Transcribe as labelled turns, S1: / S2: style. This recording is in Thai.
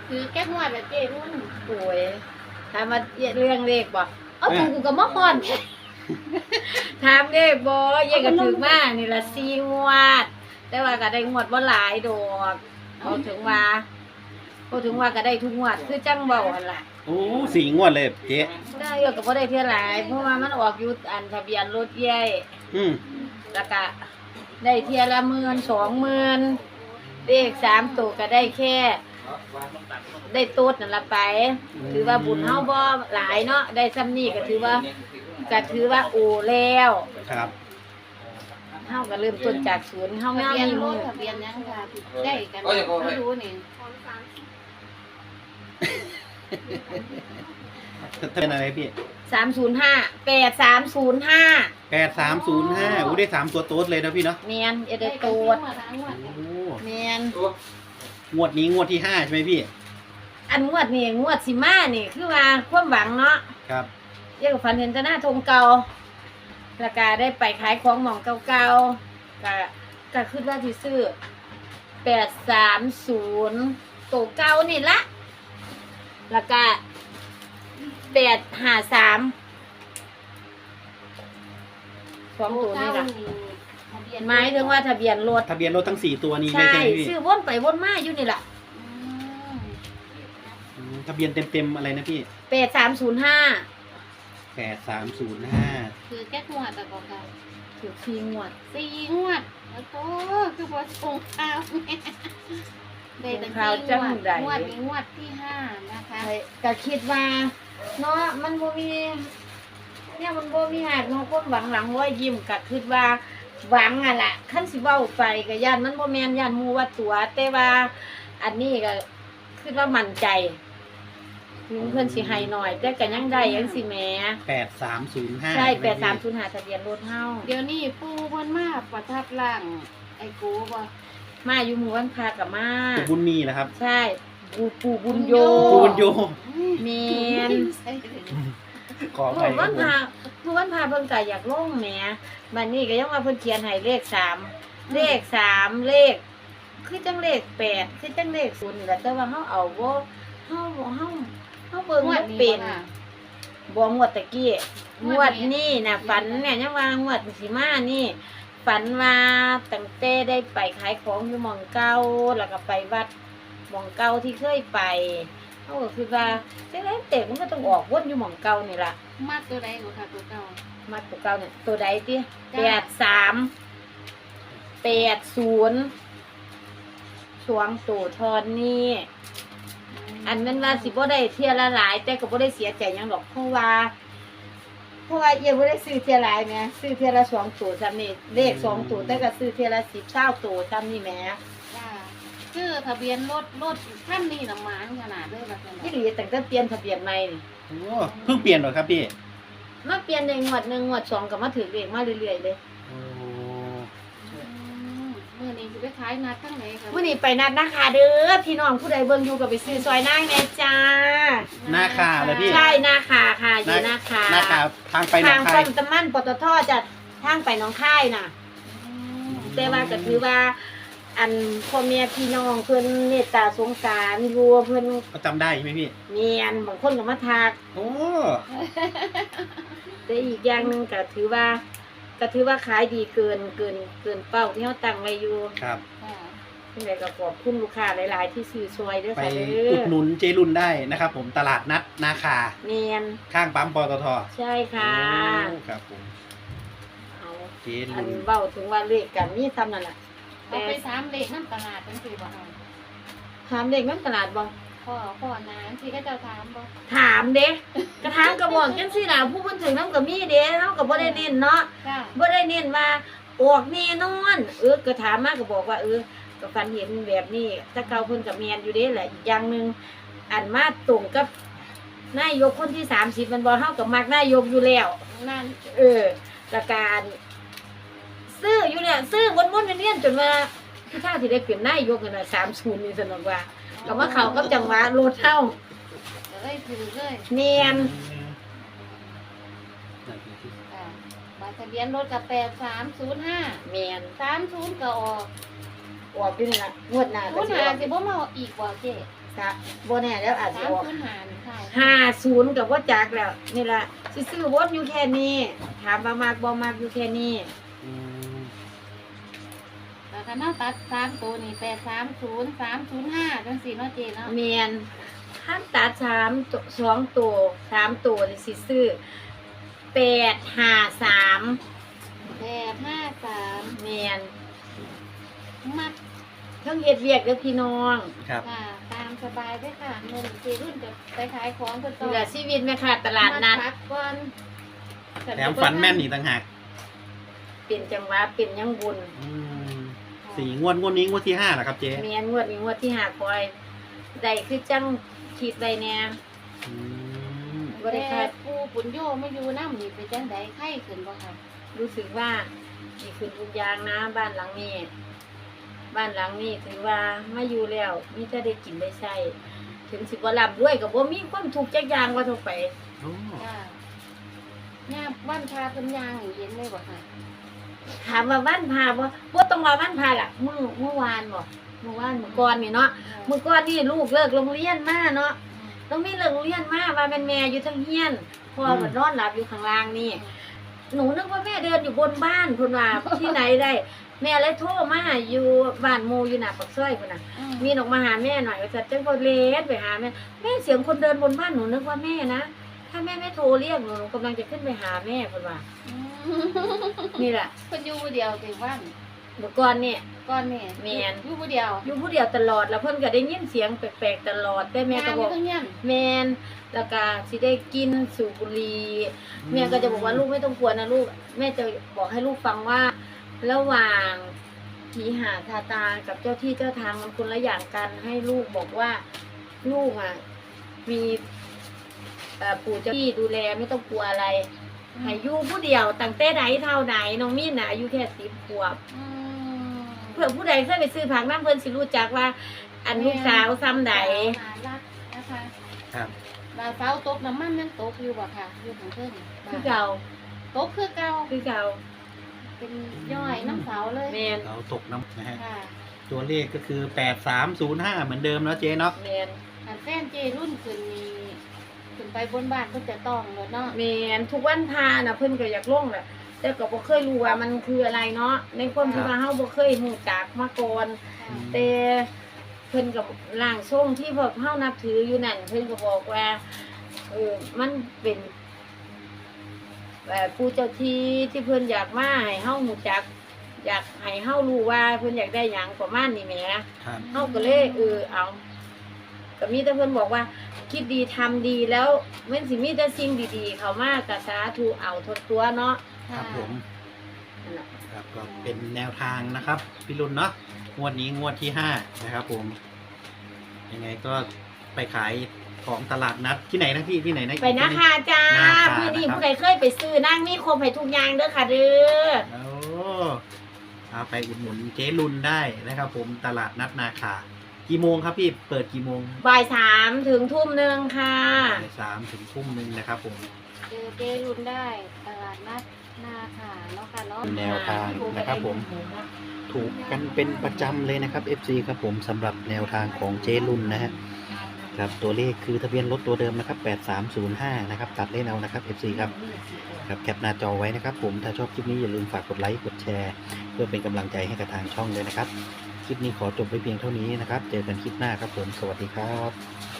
S1: คือแก้งวดแบบเจรุ่น
S2: โอ้ยถามมาเรื่องเลขบ่เอากูก็มาฮ้อน ถามเลขบ่เย่ก็ถึกมานี่ละ4งวด แต่ว่าก็ได้งวดบ่หลายดอกเอาถึงว่าก็ได้ทุกงวดคือจังเว้าหั่นล่ะ
S3: โอ้4 งวดเลยเจ๊
S2: ได้ก็บ่ได้เท่าหลายเพราะว่ามันออกอยู่อันทะเบียนรถใหญ่
S3: อืม
S2: แล้วก็ได้เที่ยละ10,000 20,000เลข3ตัวก็ได้แค่ได้ตูดนั่นละไป ถือว่าบุญเฮาบ่หลายเนาะได้ซ้ำนี้ก็ถือว่าโอแล้ว
S3: ครับ
S2: เฮาก็เริ่มต้นจากศูนย์เฮา
S1: ทะ
S2: งาม
S1: เบียน
S2: มี
S1: ร
S2: มื
S1: ถ
S2: อ
S1: ทะเบียนยังค่ะได้กันไม่รู้นี่
S3: เป็นอะไรพี่
S2: 305 8305
S3: 8305อู้ได้3ตัวโต๊ดเลยนะพี่เนาะ
S2: แม่นได้ตู
S1: ด
S2: ด
S3: โอ้
S2: แม่น
S3: งวดนี้งวดที่5ใช่ไหมพี่
S2: อันงวดนี่งวดสิมานี่คือว่าความหวังเนาะ
S3: ครับ
S2: เรียกว่าฝันเห็นแต่หน้าธงเก่าแล้วก็ได้ไปขายของหม่องเก่าๆก็คิดว่าสิซื้อ830ตัวเก่านี่ละแล้วก็853 2ตัวนี่ล่ะหมายถึงว่าทะเบียนรถ
S3: ทะเบียนรถทั้ง4ตัวนี้เลย
S2: ใช่
S3: ใช่ไหมพี่
S2: ซื้อวนไปวนมาอยู่นี่ล่ะ
S3: ทะเบียนเต็มๆอะไรนะพี่
S2: 8305
S3: 8305
S1: คือแก้งวดแต่ก็ค่ะ
S2: ถูก4งวด
S1: 4งวดแล้วก็คือว่าส่งข่าวแม่ได้ตั้ง4งวดนี้งวดที่5นะคะ
S2: ก็คิดว่าเนาะมันบ่มีเนี่ยมันบ่มีหากเนาะคนหวังหลังร้อยยิ้มก็คิดว่าหวังอ่ะล่ะคันสิเว้าไปก็ย่านมันบ่แม่นย่านหมู่ว่าตัว แต่ว่าอันนี้ก็คิดว่ามั่นใจถึงเพิ่นสิให้หน่อย แต่ก็ยังได้จังสิแหม
S3: 8305
S2: ใช่
S3: ไหมพี่
S2: 8305ทะเบียนรถเฮา
S1: เดี๋ยวนี้ปู่เพิ่นมาประทับร่างไอ้กูบ่
S2: มาอยู่หมู่บ้านพากับมา
S3: ปู่บุญมีเหรอครับ
S2: ใช่ปู่บุญโย
S3: ปู่บุญโย
S2: แม่น
S3: ขอ
S2: ห
S3: ไป
S2: มู่บ้านพาเพิ่นก็อยากลงแหมบัดนี้ก็ยังว่าเพิ่นเขียนให้เลข3เลขคือจังเลข8คือจังเลข0นี่แหละแต่ว่าเฮาเอาบ่เฮาเบิ่งบ่เป็นบ่งวดตะกี้งวดนี้น่ะฝันเนี่ยยังว่างวดสิมานี่ฝันว่าตั้งแต่ได้ไปขายของอยู่หม่องเก่าแล้วก็ไปวัดหม่องเก่าที่เคยไปเฮาก็คิดว่าจังได๋เตะมันก็ต้องออกวนอยู่หม่องเก่านี่ล่ะ
S1: มากตัวใดกว่าค่ะตัวเก่า
S2: มาตัวเก่าเนี่ยตัวใดติ
S1: จ้ะ
S2: 83 80สวงตู่ทอนนี่อันนั้นว่าสิบ่ได้เที่ยละหลาย แต่ก็บ่ได้เสียใจหยังดอกเพราะว่าเอียบ่ได้ซื้อเที่ยหลายแหมซื้อเที่ยละ2ตัวซ้ำนี่เลข2ตัวแต่ก็ซื้อเที่ยละ10 20ตัวซ้ำนี่แหม
S1: จ้าคือทะเบียนรถท่านนี่น่ะหมานขนาดเด้อว่าซั่น
S2: ที่หลีตั้งแต่เปลี่ยนทะเบียนใหม่นี่
S3: โอ้เพิ่งเปลี่ยนเหรอครับพี่
S2: มาเปลี่ยนในงวด1งวด2ก็มาถือเลขมาเรื่อยๆเลย
S3: โอ้
S1: มื้อนี้สิไปขายนัดทั้งไหนคะ
S2: มื้อนี้ไปนัดนะคะเด้อพี่น้องผู้ใดเบิ่งอยู่ก็ไปซื้อซอยนางแน่จ้า
S3: หน้าคาเลยพี่
S2: ใช่นาคาค่ะอยู่นาคา
S3: หน้าคาทางไปหน
S2: ทา
S3: อง ง
S2: ป้
S3: คา
S2: อย มตะมั่นปตทจะทางไปหน้องค่ายน่ะ แต่ว่าก็ถือว่า อันพ่อแม่พี่น้องเพิ่นเมตตาสงสารอยู่เพิ่น
S3: ก็จำได้ใช่ไหมพี่
S2: เมียนบางคนก็มาทัก
S3: โอ้
S2: แต่อีกอย่างหนึงก็ถือว่าขายดีเกินเป้าที่เฮาตั้งไว้อยู่
S3: ครับ
S1: ค่ะ
S2: จังไดก็ขอบคุณลูกค้าหลายๆที่ซื้อซอยเด้อ
S3: ไป
S2: ค่ะเด้
S3: อุ
S2: อ
S3: ดหนุนเจรุนได้นะครับผมตลาดนัดนาคา
S2: เมียน
S3: ข้างปั๊มปตท
S2: ใช่ค่ะ
S3: โอ้ครับผม
S2: เอา
S3: เจ
S2: อั
S3: รุ
S2: น
S3: น
S2: เว้าถึงว่าเลขกันมีซ้ำนั่นล่ะ
S1: เอาไป3เลขนำตลาดจังซี่บ่ค่ะ
S2: ถามเลขมันตลาดบ่
S1: พ่อนานสิก็เจ้าถามบ่
S2: ถามเด้กระถามกระบอกจังซี่ล่ะผู้เพิ่นถึงนำก็มีเด้เฮาก็บ่ได้เน้นเนาะ
S1: จ้า
S2: บ่ได้เน้นว่าออกแน่นอนก็ถามมาก็บอกว่าก็ฝันเห็นแบบนี้ถ้าเก่าเพิ่นก็แม่นอยู่เด้แหละอีกอย่างหนึงอันมาตรงกับนายกคนที่30มันบ่เฮาก็มักนายกอยู่แล้ว
S1: นั่น
S2: ประการซื้ออยู่เนี่ยซื้อวนๆเวียนๆจนว่าพี่ท่าสิได้เป็นนายกนั่นน่ะ30นี่สนุกว่าก็มาเข้ากับจังหวะรถเฮา
S1: ก็เลยถือเลย
S2: แม่น
S1: อ่าบัตรทะเบียนรถกับ8305
S2: แม่น
S1: 30ก็ออก
S2: ออกอยู่นี่ล่ะงวดหน้าก็
S1: ผู้
S2: สิ
S1: หา
S2: ออก
S1: สิบ่มาอีกบ่เจ๊
S2: บ่แน่แล้วอาจจะออก
S1: 305ค่ะ
S2: 50กับว่าจักแล้วนี่ล่ะสิซื้อวนอยู่แค่นี้ถามว่ามากบ่มากอยู่แค่นี้
S3: อืม
S1: แล้วก็เนาะตัด3ตัวนี่830 305จังซี่เนาะเจเนาะ
S2: แม่นถ้าตัด2ตัว3ตัวนี่สิซื้อ853
S1: 853
S2: แม่น
S1: มัก
S2: เทั้งเฮ็ดเวียกเด้อพี่น้อง
S3: ครับ
S1: ค่ะตามสบายเด้อค่ะเงินเจรุ่นจะไปขายของเพิ่นต่
S2: นี่
S1: อ
S2: ล่ะชีวิตแม่ค้าตลาดนัด
S1: มพักก่อน
S3: แถมฝันแม่นอีกต่างหาก
S2: เป็นจังหวะเป็นยังบุญ
S3: อืม4 งวดนี้งวดที่5เหรอครับเจ๊
S2: แม่นงวดนี้งวดที่5คอยได้คือจังคิดไว้แน่
S3: อืม
S2: บ่ได้
S1: แต่
S2: คาด
S1: ปูปุญโยมาอยู่นำนี่เป็นจังได๋ไข้ขึ้นบ่ค่ะ
S2: รู้สึกว่าดีขึ้นทุกอย่างนะบ้านหลังนี้ บ้านหลังนี้ถือว่ามาอยู่แล้วมีแต่ได้กินได้ใช้ถึงสิบ่ร่ำรวยก็บ่มีความทุกข์จักอย่างว่าทั่วไป
S3: โอ้
S1: จ้าย่าบ้านพาเพิ่นย่างให้เย็นเลยบ่ค่ะ
S2: ถามว่าวันพาบ่ต้องว่าวันพาล่ะเมื่อวานบ่เมื่อวานเมื่อก่อนนี่เนาะเมื่อก่อนนี่ลูกเลิกโรงเรียนมาเนาะต้องมีเลิกโรงเรียนมาว่าเป็นแม่อยู่เทั้งเฮียนพ่อก็นอนหลับอยู่ข้างล่างนี่หนูนึกว่าแม่เดินอยู่บนบ้านพุ่นว่า ที่ไหนได้ แม่เลยโทรมาอยู่บ้านหมู่อยู่หน้าปากซอยพุ่นน่ะ มีออกมาหาแม่หน่อยว่าจะจังพอเลสไปหาแม่เสียงคนเดินบนบ้านหนูนึกว่าแม่นะถ้าแม่ไม่โทรเรียกหนูกำลังจะขึ้นไปหาแม่พุ่นว่า นี่แหละ
S1: เพิ่นอยู่ผู้เดียวติบ้าน
S2: เมื่อก่อนเนี่ย
S1: ก่อนแม่
S2: แม่น
S1: อยู่ผู้เดียว
S2: อยู่ผู้เดียวตลอดแล้วเพิ่นก็ได้ยินเสียงแปลกๆตลอดแต่แม่ก็บอก
S1: ย่างยู่ทั้งยัน
S2: แม่นแล้วก็สิได้กินสูบบุหรี่แม่ก็จะบอกว่าลูกไม่ต้องกลัวนะลูกแม่จะบอกให้ลูกฟังว่า ระหว่างผีหาทาตากับเจ้าที่เจ้าทางมันคนละอย่างกันให้ลูกบอกว่าลูกอ่ะมีปู่เจ้าที่ดูแลไม่ต้องกลัวอะไรให้อยู่ผู้เดียวตั้งแต่ไหนเท่าไหนน้องมีน่ะอายุแค่10 ขวบ
S1: อืม
S2: เพื่อผู้ใดเคยไปซื้อผักน้ำเพิ่นสิรู้จักว่า อันลูกสาวซ้ำใด
S1: น่ารักนะคะ
S3: ครับ
S1: ดาวเสาตกน้ำมันยังตกอยู่บ่ค่ะอยู่ข้างเทิง
S2: คือเก่า
S1: ตกคือเก่า
S2: คือเก่า
S1: เป็นย่อยน้ำเสาเลย
S2: แมน
S3: เราตกน้ำนะฮะ
S1: ค่ะ
S3: ตัวเลขก็คือ8305เหมือนเดิมแล้วเจ๊เนาะ
S2: แมน
S1: อันแฟนเจรุ่นขึ้นนี่ขึ้นไปบนบ้านก็จะต้องเลยเนาะ
S2: แมนทุกวันพาน่ะเพิ่นก็อยากลงแหละแต่ก็บ่เคยรู้ว่ามันคืออะไรเนาะในความที่ว่าเฮาบ่เคยรู้จักมาก่อน
S1: ค่ะ
S2: แต่เพิ่นกับร่างทรงที่พวกเฮานับถืออยู่นั่นเพิ่นก็บอกว่ามันเป็นผู้เจ้าที่เพิ่นอยากมาให้เฮารู้จัก อยากให้เฮารู้ว่าเพิ่นอยากได้หยังประมาณนี้แหม
S3: ครับ
S2: เฮาก็เลยเอาก็มีแต่เพิ่นบอกว่า คิดดีทำดีแล้วมันสิมีแต่สิ่งดีๆเข้ามาก็สาธุเอาทดตัวเนาะ
S3: ครับผม
S2: นั่นล่ะ
S3: ครับก็เป็นแนวทางนะครับพี่รุ่นเนาะงวดนี้งวดที่5นะครับผมยังไงก็ไปขายของตลาดนัดที่ไหนนะพี่ที่ไหนนะ
S2: ไปนะคะจ้า
S3: นาคา
S2: มื้อนี้
S3: นะครับ
S2: ผู้ใดเคยไปซื้อนั่งมีครบให้ทุกอย่างเด้อค่ะเด้อ
S3: โอ้เอาไปอุดหนุนเจ๊รุ่นได้นะครับผมตลาดนัดนาคากี่โมงครับพี่เปิดกี่โมง
S2: บ่าย 3 ถึง 19:00 ค่ะ
S3: บ่าย3 ถึง 19:00 นะครับผม
S1: เจรุ่นได้ตลาดนัดนาค่ะเนาะค่ะเนาะ
S3: แนวทางนะครับผม ถูกกันเป็นประจำเลยนะครับ FC ครับผมสำหรับแนวทางของเจ๊รุ่นนะฮะครับตัวเลขคือทะเบียนรถตัวเดิมนะครับ8305นะครับตัดเล่นเอานะครับ FC ครับครับแคปหน้าจอไว้นะครับผมถ้าชอบคลิปนี้อย่าลืมฝากกดไลค์กดแชร์เพื่อเป็นกำลังใจให้กับทางช่องเลยนะครับคลิปนี้ขอจบไปเพียงเท่านี้นะครับเจอกันคลิปหน้าครับผมสวัสดีครับ